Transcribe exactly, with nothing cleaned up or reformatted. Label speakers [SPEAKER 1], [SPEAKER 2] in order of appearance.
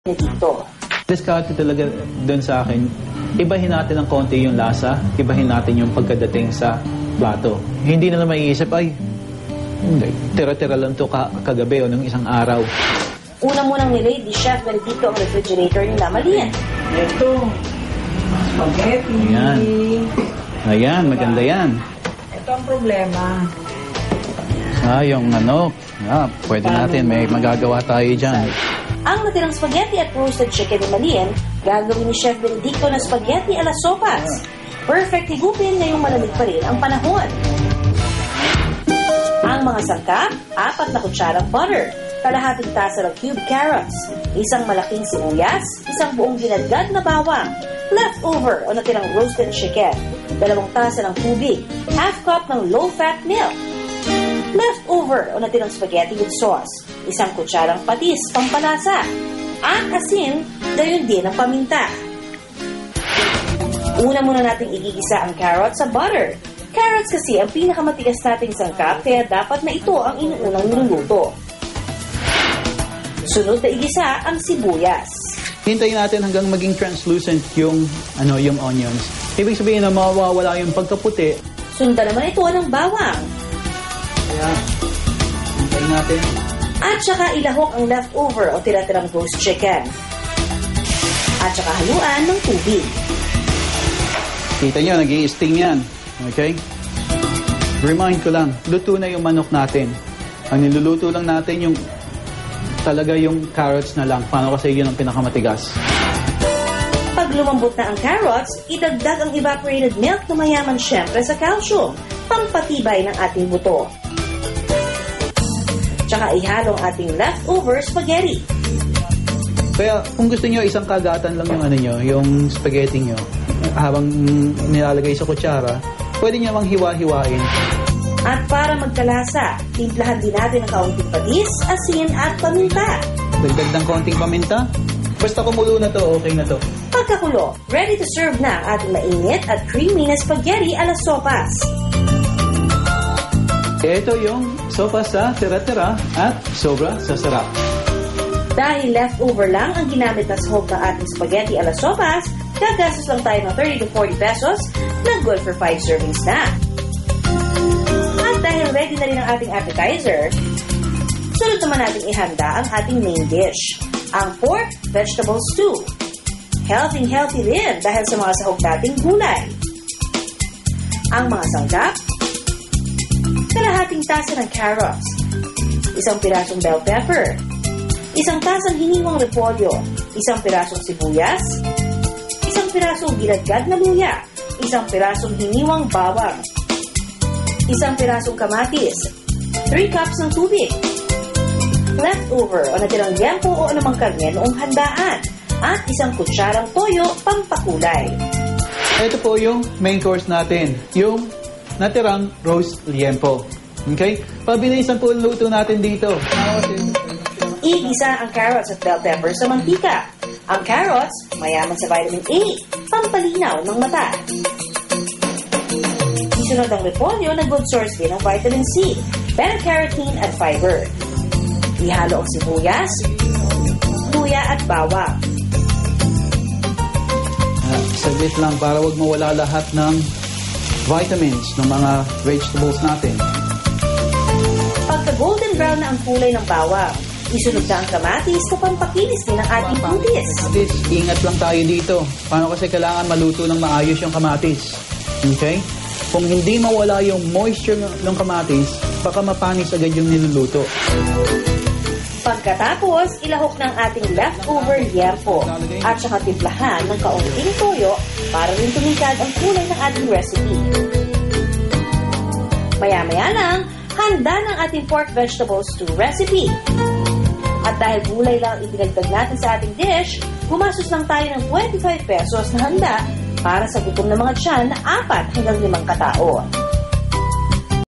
[SPEAKER 1] dito.
[SPEAKER 2] Discarte talaga doon sa akin, ibahin natin ng konti yung lasa, ibahin natin yung pagkadating sa plato. Hindi na lang maiisip, ay, hindi, tira-tira lang to ka kagabi o ng isang araw.
[SPEAKER 1] Una munang nilay di Chef Benedicto ang refrigerator nila. Mali yan.
[SPEAKER 3] Ito, spaghetti.
[SPEAKER 2] Ayan. Ayan, maganda yan.
[SPEAKER 3] Ito ang problema.
[SPEAKER 2] Ah, yung ano, ah, pwede natin, may magagawa tayo dyan.
[SPEAKER 1] Ang natirang spaghetti at roasted chicken ni Malien, gagawin ni Chef Benedicto na spaghetti a la sopas. Perfect higupin ngayong malamig pa rin ang panahon. Ang mga sangkap, apat na kutsarang butter, kalahating tasa ng cubed carrots, isang malaking sibuyas, isang buong ginadgad na bawang, leftover o natirang roasted chicken, dalawang tasa ng tubig, half cup ng low-fat milk, leftover o natirang spaghetti with sauce, isang kutsarang patis, pampalasa, at asin, gayon din ang paminta. Una muna nating igigisa ang carrots sa butter. Carrots kasi ang pinakamatigas nating sangkap, kaya dapat na ito ang inuunang niluluto. Sunod na igisa ang sibuyas.
[SPEAKER 2] Hintayin natin hanggang maging translucent yung, ano, yung onions. Ibig sabihin na mawawala yung pagkaputi.
[SPEAKER 1] Sundan naman ito ng bawang.
[SPEAKER 2] Kaya, hintayin natin.
[SPEAKER 1] At saka ilahok ang leftover o tira-tirang roast chicken. At saka haluan ng tubig.
[SPEAKER 2] Kita nyo, nag-i-sting yan. Okay? Remind ko lang, luto na yung manok natin. Ang niluluto lang natin yung talaga yung carrots na lang. Paano kasi yun ang pinakamatigas.
[SPEAKER 1] Pag lumambot na ang carrots, idagdag ang evaporated milk na mayaman syempre sa calcium, pampatibay ng ating buto. Tsaka ihalo ang ating leftover spaghetti.
[SPEAKER 2] Kaya kung gusto nyo, isang kagatan lang yung ano nyo, yung spaghetti nyo, habang nilalagay sa kutsara, pwede nyo mang hiwa-hiwain.
[SPEAKER 1] At para magkalasa, timplahan din natin ang kaunting patis, asin at paminta.
[SPEAKER 2] Dagdag ng konting paminta. Basta kumulo na to, okay na to.
[SPEAKER 1] Pagkakulo, ready to serve na ang ating mainit at creamy na spaghetti a la sopas.
[SPEAKER 2] Ito yung sopa sa tira-tira at sobra sa sarap.
[SPEAKER 1] Dahil leftover lang ang ginamit na sahog ng ating spaghetti a la sopas, gagastos lang tayo ng thirty to forty pesos na good for five servings na. At dahil ready na rin ang ating appetizer, sunod naman natin ihanda ang ating main dish, ang pork vegetable stew. Healthy-healthy din dahil sa mga sahog nating gulay. Ang mga sangkap, kalahating tasa ng carrots, isang pirasong bell pepper, isang tasang hiniwang repolyo, isang pirasong sibuyas, isang pirasong ginadgad na luya, isang pirasong hiniwang bawang, isang pirasong kamatis, three cups ng tubig, leftover o natirang liempo o anumang karne noong handaan, at isang kutsarang toyo pampakulay.
[SPEAKER 2] Ito po yung main course natin, yung natirang roast liempo. Okay? Pabilisan po ang luto natin dito.
[SPEAKER 1] Igisa ang carrots at bell pepper sa mantika. Ang carrots, mayaman sa vitamin A, pampalinaw ng mata. Isunod ang repolyo na good source din ng vitamin C, beta-carotene at fiber. Ihalo ang sibuyas, luya at bawang.
[SPEAKER 2] Uh, saglit lang para wag mawala lahat ng vitamins ng mga vegetables natin.
[SPEAKER 1] Pagka golden brown na ang kulay ng bawang, isunod na ang kamatis na pampakinis din ng ating putis.
[SPEAKER 2] Kamatis, ingat lang tayo dito. Paano kasi kailangan maluto ng maayos yung kamatis? Okay? Kung hindi mawala yung moisture ng kamatis, baka mapanis agad yung niluluto.
[SPEAKER 1] Pagkatapos, ilahok ng ating leftover liempo at saka timplahan ng kaunting toyo para rin tumingkad ang kulay ng ating recipe. Maya-maya lang, handa ng ating pork vegetable stew recipe. At dahil gulay lang idinagdag natin sa ating dish, gumastos lang tayo ng twenty-five pesos na handa para sa gutom ng mga tiyan na apat hanggang limang katao.